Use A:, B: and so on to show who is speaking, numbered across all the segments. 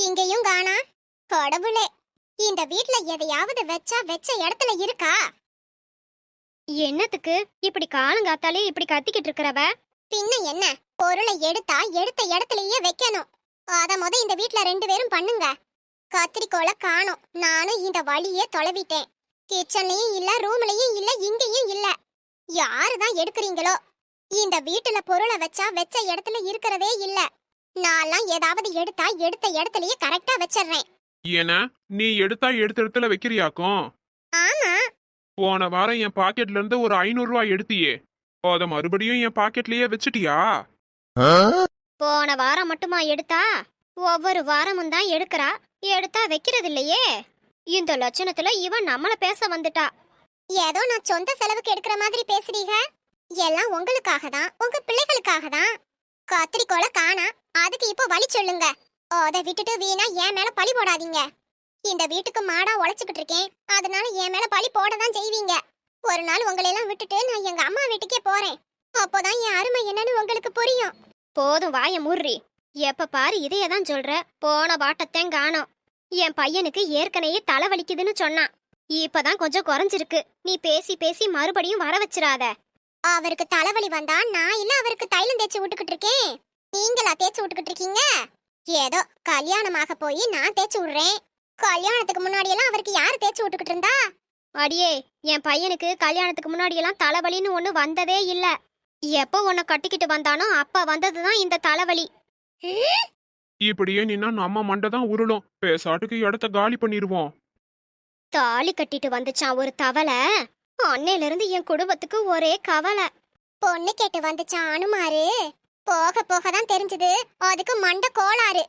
A: இங்கேயும் காணா. கடவுளே, இந்த வீட்ல எதையாவது வச்சா வச்ச இடத்துல இருக்கா?
B: என்னத்துக்கு இப்படி காலங்காத்தாலே இப்படி கத்திக்கிட்டு இருக்கிறவ?
A: பின்ன என்ன, பொருளை எடுத்தா எடுத்த இடத்துலயே வைக்கணும். அத இந்த வீட்ல 2 பேரும் பண்ணுங்க. கத்திரிக்கோலை காணோம். நானும் இந்த வழியே தொலைவிட்டேன். கிச்சன்லயும் இல்ல, ரூம்லயும் இல்ல, இங்கேயும் இல்ல. யாருதான் எடுக்கிறீங்களோ? இந்த வீட்டுல பொருளை வச்சா வச்ச இடத்துல இருக்கிறதே இல்ல. நான்லாம் ஏதாவது எடுத்தா எடுத்த இடத்துலயே கரெக்டா வச்சிடுறேன்.
C: ஏன்னா நீ எடுத்தா எடுத்த இடத்துல வைக்கிறியாக்கும்?
A: ஆமா.
C: போன வாரம் என் பாக்கெட்ல இருந்து ஒரு 500 ரூபாய் எடுத்தியே, அத மறுபடியும் என் பாக்கெட்லயே வச்சிட்டியா?
B: போன வாரம் மட்டுமா எடுத்தா? ஒவ்வொரு வாரமும் தான் எடுக்கிறா. எடுத்தா வைக்கிறது இல்லையே. இந்த லட்சணத்துல இவன் நம்மள பேச வந்துட்டா.
A: ஏதோ நான் சொந்த செலவுக்கு எடுக்கிற மாதிரி பேசுறீங்க. எல்லாம் உங்களுக்காக தான், உங்க பிள்ளைகளுக்காக தான். கத்திரிக்கோலை காணா, அதுக்கு இப்போ வழி சொல்லுங்க. அதை விட்டுட்டு வீணா என் மேல பழி போடாதீங்க. இந்த வீட்டுக்கு மாடா உழைச்சுக்கிட்டு இருக்கேன், அதனால என் மேல பழி போட தான் செய்வீங்க. ஒரு நாள் உங்களை எல்லாம் விட்டுட்டு நான் எங்க அம்மா வீட்டுக்கே போறேன். அப்போதான் என் அருமை என்னன்னு உங்களுக்கு புரியும்.
B: போதும் வாய முர்றி. எப்ப பாரு இதையே தான் சொல்ற. போன வாட்டத்தையும் காணோம். என் பையனுக்கு ஏற்கனவே தலை வலிக்குதுன்னு சொன்னான். இப்பதான் கொஞ்சம் குறைஞ்சிருக்கு. நீ பேசி பேசி மறுபடியும் வர வச்சிராத.
A: அவருக்கு தலைவலி வந்தா நான் இல்ல அவருக்கு தைலம் தேய்ச்சி விட்டுக்கிட்டு இருக்கேன். நீங்களா தேய்ச்சி விட்டுக்கிட்டு இருக்கீங்க? ஏதோ கல்யாணமாக போய் நான் தேய்ச்சி விடுறேன். கல்யாணத்துக்கு முன்னாடி எல்லாம் அவருக்கு யாரு தேய்ச்சி விட்டுக்கிட்டு இருந்தா?
B: அடியே, என் பையனுக்கு கல்யாணத்துக்கு முன்னாடி எல்லாம் தலைவலின்னு ஒண்ணு வந்ததே இல்ல. எப்ப உன்னை கட்டிக்கிட்டு வந்தானோ அப்ப வந்ததுதான் இந்த தலைவலி.
C: இப்படியே நின்னா நம்ம மண்டை தான் உருளும். பேசாட்டுக்கு இடத்த காலி பண்ணிடுவோம்.
B: தாலி கட்டிட்டு வந்துச்சான் ஒரு தவளை. அன்னையில இருந்து என் குடும்பத்துக்கு ஒரே கவலை.
A: பொண்ணு கேட்டு வந்துச்சான் அனுமாரு. போக போக தான் தெரிஞ்சது அதுக்கு மண்டை கோளாறு.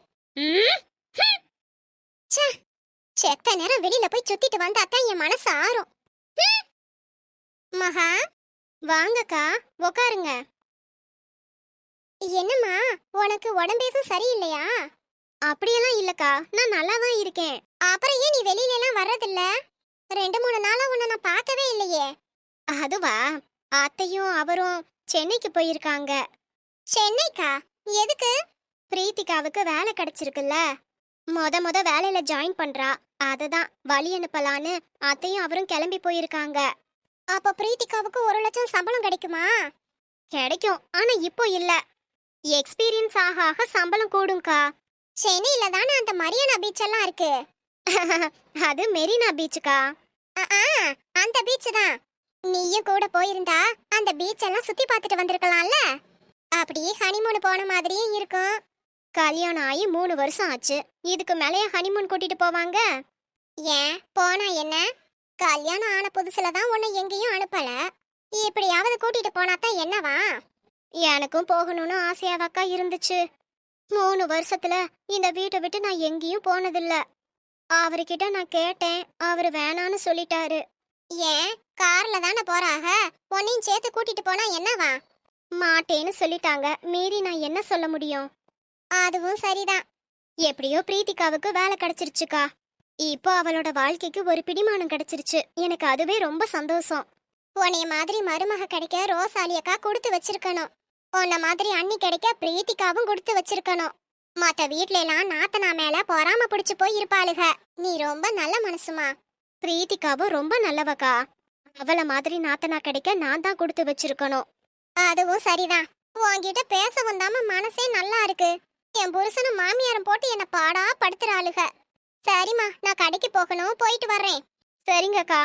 A: செத்த நேரம் வெளியில போய் சுத்திட்டு வந்தாத்தான் என் மனசு ஆறும். மகா,
B: வாங்கக்கா, உக்காருங்க.
A: என்னம்மா, உனக்கு உடம்பேதும் சரியில்லையா?
B: அப்படியெல்லாம் இல்லக்கா, நான் நல்லா தான் இருக்கேன்.
A: அப்புறம் ஏன் நீ வெளியில எல்லாம் வர்றதில்ல? 2-3 நாளா உன்னை நான் பார்க்கவே இல்லையே.
B: அதுவா, அத்தையும் அவரும் சென்னைக்கு போயிருக்காங்க.
A: சென்னைக்கா? எதுக்கு?
B: பிரீத்திகாவுக்கு வேலை கிடைச்சிருக்குல்ல. முத வேலையில ஜாயின் பண்றா. அததான் வழி அனுப்பலான்னு அத்தையும் அவரும் கிளம்பி போயிருக்காங்க.
A: அப்ப பிரீத்திகாவுக்கு 1 லட்சம் சம்பளம் கிடைக்குமா?
B: கிடைக்கும், ஆனா இப்போ இல்ல. எக்ஸ்பீரியன்ஸ் ஆக ஆக சம்பளம் கூடும்க்கா.
A: சென்னையில தானே அந்த மரியானா பீச் எல்லாம் இருக்கு.
B: அது மெரினா பீச்சுக்கா.
A: அந்த பீச் தான். நீயும் கூட போயிருந்தா அந்த பீச் எல்லாம் சுத்தி பார்த்துட்டு வந்திருக்கலாம்ல. அப்படியே ஹனிமூன் போன மாதிரியும் இருக்கும்.
B: கல்யாணம் ஆகி 3 வருஷம் ஆச்சு. இதுக்கு மேலேயே ஹனிமூன் கூட்டிட்டு போவாங்க?
A: ஏன் போனா என்ன? கல்யாணம் ஆன புதுசுல தான் உன்னை எங்கேயும் அனுப்பல. இப்படியாவது கூட்டிட்டு போனாதான் என்னவா?
B: எனக்கும் போகணும்னு ஆசையாவாக்கா இருந்துச்சு. 3 வருஷத்துல இந்த வீட்டை விட்டு நான் எங்கேயும் போனதில்ல. அவர்கிட்ட நான் கேட்டேன், அவரு வேணான்னு சொல்லிட்டாரு.
A: ஏன், கார்ல தானே போறாக, உன்னையும் சேர்த்து கூட்டிட்டு போனா என்னவா?
B: மாட்டேன்னு சொல்லிட்டாங்க. மீறி நான் என்ன சொல்ல முடியும்?
A: அதுவும் சரிதான்.
B: எப்படியோ பிரீத்திகாவுக்கு வேலை கிடைச்சிருச்சுக்கா. இப்போ அவளோட வாழ்க்கைக்கு ஒரு பிடிமானம் கிடைச்சிருச்சு. எனக்கு அதுவே ரொம்ப சந்தோஷம்.
A: உன்னைய மாதிரி மருமக கிடைக்க ரோசாலியக்கா கொடுத்து வச்சிருக்கணும். உன்ன மாதிரி அண்ணி கிடைக்க பிரீத்திகாவும் கொடுத்து வச்சிருக்கணும். மத்த வீட்ல எல்லாம் நாத்தனா மேல பொறாம பிடிச்சு போய் இருப்பாளுக. நீ ரொம்ப நல்ல மனசுமா.
B: பிரீத்திகாவும் ரொம்ப நல்லவக்கா. அவள மாதிரி நாத்தனா கிடைக்க நான் தான் கொடுத்து வச்சிருக்கணும்.
A: அதுவும் சரிதான். உன்கிட்ட பேச வந்தாம மனசே நல்லா இருக்கு. என் புருஷனும் மாமியாரும் போட்டு என்ன பாடா படுத்துறாளுக. சரிம்மா, நான் கடைக்கு போகணும், போயிட்டு வர்றேன்.
B: சரிங்கக்கா.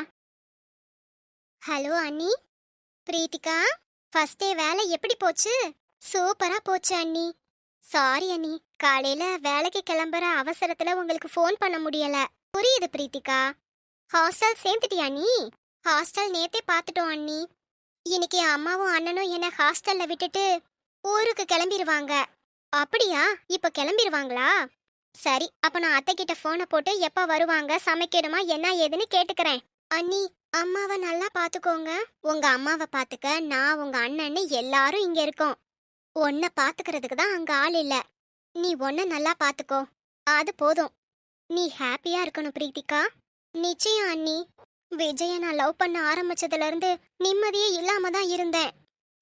A: ஹலோ அண்ணி.
B: பிரீத்திகா, ஃபர்ஸ்ட் டே வேலை எப்படி போச்சு?
A: சூப்பரா போச்சு அண்ணி.
B: சாரி அண்ணி, காலையில வேலைக்கு கிளம்புற அவசரத்துல உங்களுக்கு ஃபோன் பண்ண முடியல. புரியுது பிரீத்திகா. ஹாஸ்டல் சேர்ந்துட்டியா நீ?
A: ஹாஸ்டல் நேத்தே பார்த்துட்டோம் அண்ணி.
B: இன்னைக்கு அம்மாவும் அண்ணனும் என்ன ஹாஸ்டல்ல விட்டுட்டு ஊருக்கு கிளம்பிடுவாங்க. அப்படியா? இப்ப கிளம்பிடுவாங்களா? சரி, அப்ப நான் அத்தை கிட்ட போனை போட்டு எப்ப வருவாங்க, சமைக்கணுமா என்ன ஏதுன்னு கேட்டுக்கிறேன்.
A: அண்ணி, அம்மாவை நல்லா பாத்துக்கோங்க.
B: உங்க அம்மாவை பாத்துக்க நான் உங்க அண்ணன்னு எல்லாரும் இங்க இருக்கோம். உன்னை பாத்துக்கிறதுக்கு தான் அங்க ஆள் இல்ல. நீ உன்னை நல்லா பாத்துக்கோ, அது போதும். நீ ஹாப்பியா இருக்கணும் பிரீத்திகா.
A: நிச்சயம் அண்ணி.
B: விஜய நான் லவ் பண்ண ஆரம்பிச்சதுல இருந்து நிம்மதியே இல்லாம தான் இருந்தேன்.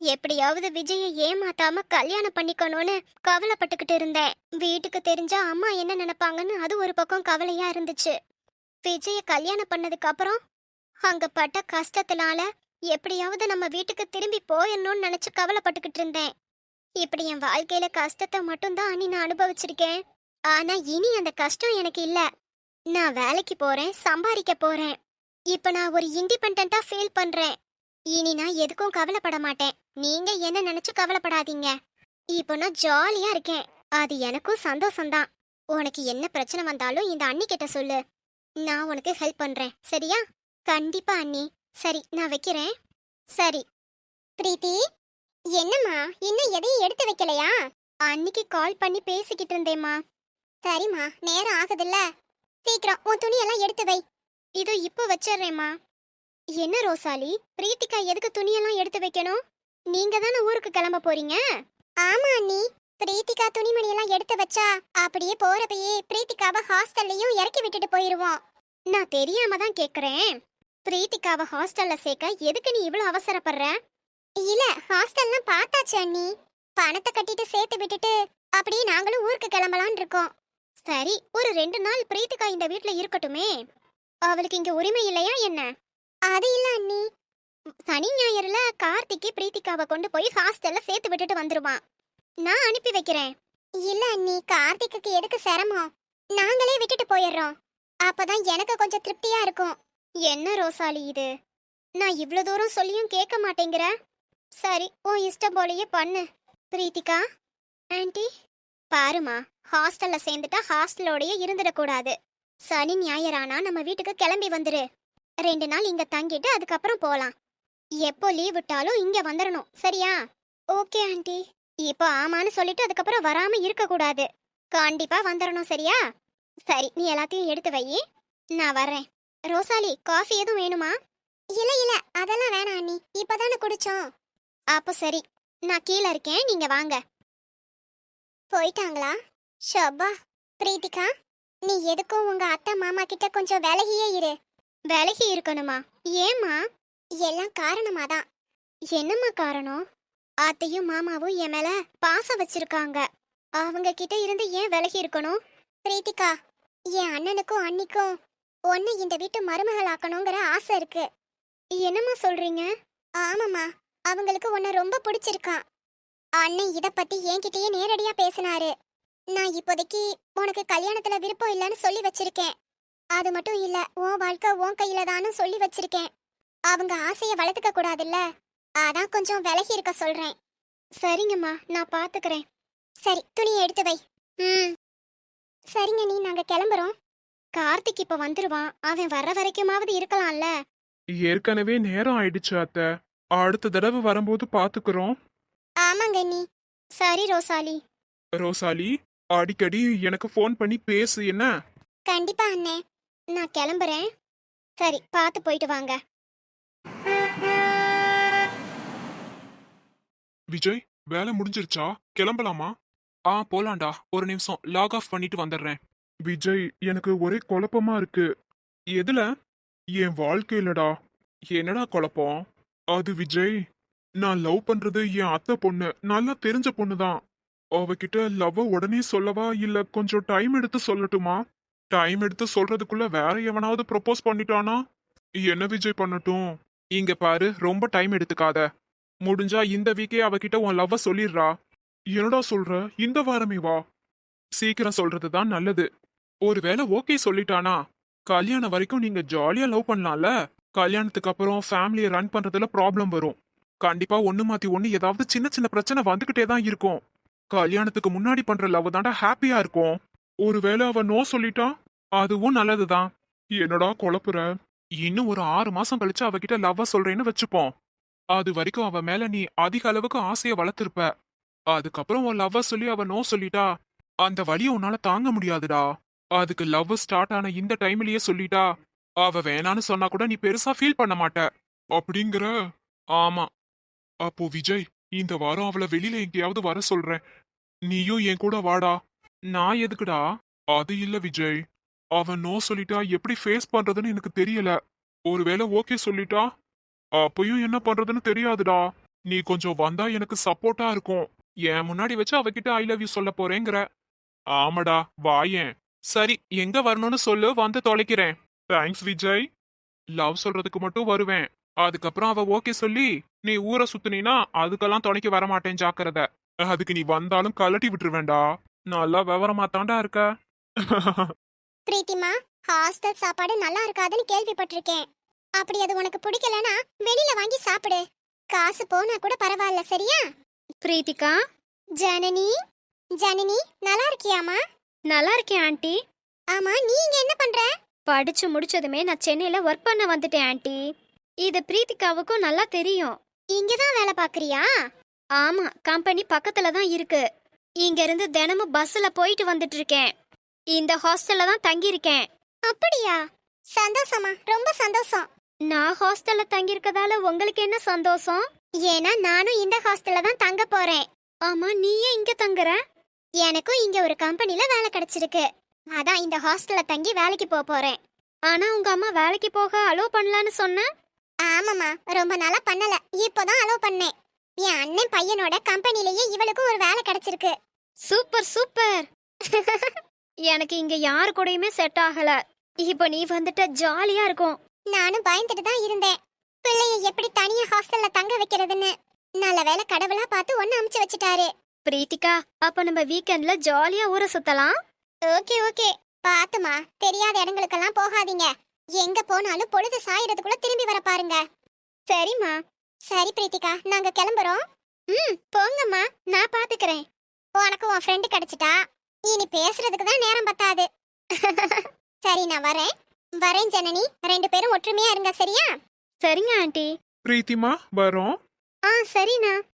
B: எப்படியாவது விஜயை ஏமாத்தாம கல்யாணம் பண்ணிக்கணும்னு கவலைப்பட்டுக்கிட்டு இருந்தேன். வீட்டுக்கு தெரிஞ்சா அம்மா என்ன நினைப்பாங்கன்னு அது ஒரு பக்கம் கவலையா இருந்துச்சு. விஜய கல்யாணம் பண்ணதுக்கு அப்புறம் அங்க பட்ட கஷ்டத்தினால எப்படியாவது நம்ம வீட்டுக்கு திரும்பி போயிடணும்னு நினைச்சு கவலைப்பட்டுக்கிட்டு இருந்தேன். இப்படி என் வாழ்க்கையில கஷ்டத்தை மட்டும்தான் அண்ணி நான் அனுபவிச்சிருக்கேன். ஆனா இனி அந்த கஷ்டம் எனக்கு இல்ல. நான் வேலைக்கு போறேன், சம்பாதிக்க போறேன். இப்ப நான் ஒரு இண்டிபெண்டா ஃபீல் பண்றேன். இனி நான் எதுக்கும் கவலைப்பட மாட்டேன். நீங்க என்ன நினைச்சு கவலைப்படாதீங்க. இப்போ நான் ஜாலியா இருக்கேன். அது எனக்கும் சந்தோஷம்தான். உனக்கு என்ன பிரச்சனை வந்தாலும் இந்த அண்ணி கிட்ட சொல்லு. நான் உனக்கு ஹெல்ப் பண்றேன், சரியா? கண்டிப்பா அண்ணி. சரி, நான் வைக்கிறேன். சரி.
A: பிரீத்தி, என்னம்மா இன்னும் எதையும் எடுத்து வைக்கலையா?
B: அன்னிக்கு கால் பண்ணி பேசிக்கிட்டு இருந்தேம்மா.
A: சரிம்மா, நேரம் ஆகுதுல்ல, சீக்கிரம் உன் துணியெல்லாம் எடுத்து வை.
B: இதோ இப்போ வச்சிடுறேம்மா. என்ன ரோசாலி, பிரீத்திகா எதுக்கு துணியெல்லாம் எடுத்து வைக்கணும்? நீங்க தானே ஊருக்கு கிளம்ப போறீங்க.
A: ஆமா அண்ணி, பிரீத்திகா துணிமணியெல்லாம் எடுத்து வச்சா அப்படியே போறப்பயே பிரீத்திகாவை ஹாஸ்டல்லையும் இறக்கி விட்டுட்டு போயிருவோம்.
B: நான் தெரியாம தான் கேக்குறேன். பிரீத்திகாவை ஹாஸ்டல்ல சேர்க்க எதுக்கு நீ இவ்வளவு அவசரப்படுற?
A: இல்ல, ஹாஸ்டல்லாம் பார்த்தாச்சு அண்ணி. பணத்தை கட்டிட்டு சேர்த்து விட்டுட்டு அப்படியே நாங்களும் ஊருக்கு கிளம்பலான் இருக்கோம்.
B: சரி, ஒரு 2 நாள் பிரீத்திகா இந்த வீட்ல இருக்கட்டுமே. அவளுக்கு இங்க உரிமை இல்லையா என்ன?
A: அது இல்ல அண்ணி.
B: சனி ஞாயிறுல கார்த்திக்கு பிரீத்திகாவை கொண்டு போய் ஹாஸ்டல்ல சேர்த்து விட்டுட்டு வந்துருவான். நான் அனுப்பி வைக்கிறேன்.
A: இல்ல அண்ணி, கார்த்திக்கு எதுக்கு சிரமம்? நாங்களே விட்டுட்டு போயிடுறோம். அப்பதான் எனக்கு கொஞ்சம் திருப்தியா இருக்கும்.
B: என்ன ரோசாலி இது? நான் இவ்ளோ தூரம் சொல்லியும் கேட்க மாட்டேங்கிற. சரி, உன் இஷ்டம் போலயே பண்ணு. பிரீத்திகா ஆன்ட்டி, பாருமா, ஹாஸ்டல்ல சேர்ந்துட்டா ஹாஸ்டலோடயே இருந்துடக்கூடாது. சனி ஞாயிறானா நம்ம வீட்டுக்கு கிளம்பி வந்துரு. 2 நாள் இங்க தங்கிட்டு அதுக்கப்புறம் போலாம். எப்போ லீவ் விட்டாலும் இங்க வந்துடணும், சரியா? Okay aunty. இப்போ ஆமான்னு சொல்லிட்டு அதுக்கப்புறம் வராம இருக்க கூடாது. கண்டிப்பா வந்துடணும், சரியா? சரி, நீ எல்லாத்தையும் எடுத்து வை, நான் வர்றேன். ரோசாலி, காஃபி எதுவும் வேணுமா?
A: இல்ல இல்ல, அதெல்லாம் வேணாம் அண்ணி, இப்பதானே குடிச்சோம்.
B: அப்போ சரி, நான் கீழே இருக்கேன், நீங்க வாங்க.
A: போயிட்டாங்களா? ஷப்பா. பிரீத்திகா, நீ எதுக்கும் உங்க அத்தை மாமா கிட்ட கொஞ்சம் விலகியே இரு.
B: விலகி இருக்கணுமா? ஏம்மா?
A: எல்லாம் காரணமாதான்.
B: என்னம்மா காரணம்? அத்தையும் மாமாவும் என் மேல பாசம் வச்சிருக்காங்க. அவங்க கிட்ட இருந்து ஏன் விலகி இருக்கணும்?
A: பிரீத்திகா, என் அண்ணனுக்கும் அண்ணிக்கும் உன்னை இந்த வீட்டு மருமகள் ஆக்கணுங்கிற ஆசை இருக்கு.
B: என்னம்மா சொல்றீங்க?
A: ஆமாம்மா, அவங்களுக்கு உன்னை ரொம்ப பிடிச்சிருக்கான். அண்ணன் இத பத்தி என்கிட்டயே நேரடியா பேசினாரு. நான் இப்போதைக்கு உனக்கு கல்யாணத்துல விருப்பம் இல்லைன்னு சொல்லி வச்சிருக்கேன். அது மட்டும் இல்ல, உன் வாழ்க்கை உன் கையில தான்னு சொல்லி வச்சிருக்கேன். அவங்க ஆசைய வளர்த்துக்க கூடாதுல்ல, அதான் கொஞ்சம் விலகி இருக்க சொல்றேன்.
B: சரிங்கம்மா, நான் பாத்துக்கிறேன்.
A: சரி, துணியை எடுத்து வை. சரிங்க நீ, நாங்க கிளம்புறோம்.
B: கார்த்திக் இப்ப வந்துருவான். அவன் வர்ற வரைக்குமாவது இருக்கலாம்ல.
C: ஏற்கனவே நேரம் ஆயிடுச்சு அத்தை. அடுத்த தடவை வரும்போது பாத்துக்கிறோம்.
A: ஆமாங்க நீ.
B: சரி ரோசாலி.
C: ரோசாலி, அடிக்கடி எனக்கு ஃபோன் பண்ணி பேசு என்ன?
A: கண்டிப்பா அண்ணே.
B: நான் கிளம்புறேன். சரி, பார்த்து போயிட்டு வாங்க.
C: விஜய், வேலை முடிஞ்சிருச்சா? கிளம்பலாமா? போலாண்டா. ஒரு நிமிஷம் லாக் ஆஃப் பண்ணிட்டு வந்துடுறேன். விஜய், எனக்கு ஒரே குழப்பமா இருக்கு. எதுல? என் வாழ்க்கையிலடா. என்னடா குழப்பம்? அது விஜய், நான் லவ் பண்றது என் அத்தை பொண்ணு, நல்லா தெரிஞ்ச பொண்ணுதான். அவகிட்ட லவ் உடனே சொல்லவா இல்ல கொஞ்சம் டைம் எடுத்து சொல்லட்டுமா? டைம் எடுத்து சொல்றதுக்குள்ள வேற எவனாவது ப்ரொபோஸ் பண்ணிட்டானா? என்ன விஜய் பண்ணட்டும்? இங்க பாரு, ரொம்ப டைம் எடுத்துக்காத. முடிஞ்சா இந்த வீக்கே அவகிட்ட உன் லவ்வ சொல்லிடுறா. என்னடா சொல்ற? இந்த வாரமே வா. சீக்கிரம் சொல்றதுதான் நல்லது. ஒருவேளை ஓகே சொல்லிட்டானா, கல்யாணம் வரைக்கும் நீங்க ஜாலியா லவ் பண்ணலாம்ல. கல்யாணத்துக்கு அப்புறம் ஃபேமிலியை ரன் பண்றதுல ப்ராப்ளம் வரும். கண்டிப்பா ஒண்ணு மாத்தி ஒண்ணு ஏதாவது சின்ன சின்ன பிரச்சனை வந்துகிட்டே தான் இருக்கும். கல்யாணத்துக்கு முன்னாடி பண்ற லவ் தாண்டா ஹாப்பியா இருக்கும். ஒருவேளை அவ நோ சொல்லிட்டா, அதுவும் நல்லதுதான். என்னடா குழப்புற? இன்னும் ஒரு 6 மாசம் கழிச்சு அவகிட்ட லவ்வ சொல்றேன்னு வச்சுப்போம். அது வரைக்கும் அவ மேல நீ அதிக அளவுக்கு ஆசைய வளர்த்திருப்ப. அதுக்கப்புறம் உன் லவ்வ சொல்லி அவ நோ சொல்லிட்டா, அந்த வலிய உன்னால தாங்க முடியாதுடா. அதுக்கு லவ் ஸ்டார்ட் ஆன இந்த டைம்லயே சொல்லிட்டா, அவ வேணான்னு சொன்னா கூட நீ பெருசா ஃபீல் பண்ண மாட்ட. அப்படிங்கிற? ஆமா. அப்போ விஜய், இந்த வாரம் அவளை வெளியில எங்கேயாவது வர சொல்றேன். நீயும் என் கூட வாடா. நான் எதுக்குடா? அது இல்ல விஜய், அவன் நோ சொல்லிட்டா எப்படி ஃபேஸ் பண்றதுன்னு எனக்கு தெரியல. ஒருவேளை ஓகே சொல்லிட்டா, அப்பயும் என்ன பண்றதுன்னு தெரியாதுடா. நீ கொஞ்சம் வந்தா எனக்கு சப்போர்ட்டா இருக்கும். என் முன்னாடி வச்சு அவகிட்ட ஐ லவ் யூ சொல்ல போறேங்கிற. ஆமாடா வாயேன். சரி எங்க வரணும்னு சொல்லு, வந்து தொலைக்கிறேன். தேங்க்ஸ் விஜய். லவ் சொல்றதுக்கு மட்டும் வருவேன். அதுக்கப்புறம் அவ ஓகே சொல்லி நீ ஊரை சுத்துனீனா அதுக்கெல்லாம் துணைக்கு வர மாட்டேன், ஜாக்கிரதை. அதுக்கு நீ வந்தாலும் கலட்டி விட்டுருவேண்டா. நல்லா விவரமா தாண்டா இருக்க.
A: பிரீத்திமா, ஹாஸ்டல் சாப்பாடு நல்லா இருக்காதுன்னு கேள்விப்பட்டிருக்கேன். அப்படி அது உனக்கு பிடிக்கலனா வெளியில வாங்கி சாப்பிடு. காசு போனா கூட பரவாயில்ல, சரியா?
B: பிரீத்திகா,
A: ஜனனி, ஜனனி நல்லா இருக்கியாமா?
B: நல்லா இருக்கேன் ஆண்டி.
A: ஆமா, நீ இங்க என்ன பண்ற?
B: படிச்சு முடிச்சதுமே நான் சென்னையில ஒர்க் பண்ண வந்துட்டேன் ஆண்டி. இது பிரீத்திகாவுக்கும் நல்லா தெரியும்.
A: இங்க தான் வேலை பாக்குறியா?
B: ஆமா, கம்பெனி பக்கத்துல தான் இருக்கு. இங்க இருந்து தினமும் பஸ்ல போயிட்டு வந்துட்டு இருக்கேன். இந்த ஹாஸ்டல்ல தான் தங்கி இருக்கேன்.
A: அப்படியா? சந்தோஷமா, ரொம்ப சந்தோஷம்.
B: நான் ஹாஸ்டல்ல தங்கி இருக்கதால உங்களுக்கு என்ன சந்தோஷம்?
A: ஏன்னா நானும் இந்த ஹாஸ்டல்ல தான் தங்க போறேன்.
B: ஆமா, நீ ஏன் இங்க தங்குற?
A: எனக்கும் இங்க ஒரு கம்பெனில வேலை கிடைச்சிருக்கு. அதான் இந்த ஹாஸ்டல்ல தங்கி வேலைக்கு போறேன்.
B: ஆனா உங்க அம்மா வேலைக்கு போக அலோவ் பண்ணலான்னு சொன்ன.
A: ஆமாமா, ரொம்ப நாளா பண்ணல, இப்போதான் அலோவ் பண்ணேன். என் அண்ணன் பையனோட கம்பெனிலேயே இவளுக்கும் ஒரு வேலை கிடைச்சிருக்கு.
B: Super super. எனக்கு இங்க யாரு கூடயுமே செட் ஆகல. இப்போ நீ வந்துட்ட ஜாலியா இருக்கும்.
A: நானும் பயந்துட்டு தான் இருந்தேன், பிள்ளைய எப்படி தனியா ஹாஸ்டல்ல தங்க வைக்கிறதுன்னு. நல்ல வேளை கடவுளா பார்த்து ஒன்னு அமுச்சு வச்சுட்டாரு.
B: பிரீத்திகா, அப்ப நம்ம வீக்கெண்ட்ல ஜாலியா ஊரை சுத்தலாம்.
A: ஓகே ஓகே, பாத்துமா, தெரியாத இடங்களுக்கெல்லாம் போகாதீங்க. எங்க போனாலும் பொழுது சாயறதுக்குள்ள திரும்பி வர பாருங்க.
B: சரிம்மா.
A: சரி பிரீத்திகா, நாங்க கிளம்புறோம்.
B: போங்கம்மா, நான் பாத்துக்கிறேன்.
A: உனக்கு உன் ஃப்ரெண்டு கிடைச்சிட்டா, இனி பேசுறதுக்கு தான் நேரம் பத்தாது. சரி, நான் வரேன். வரேன் ஜனனி, ரெண்டு பேரும் ஒற்றுமையா இருங்க, சரியா?
B: சரிங்க ஆண்டி.
C: பிரீத்திமா வரோம்.
B: சரிண்ணா.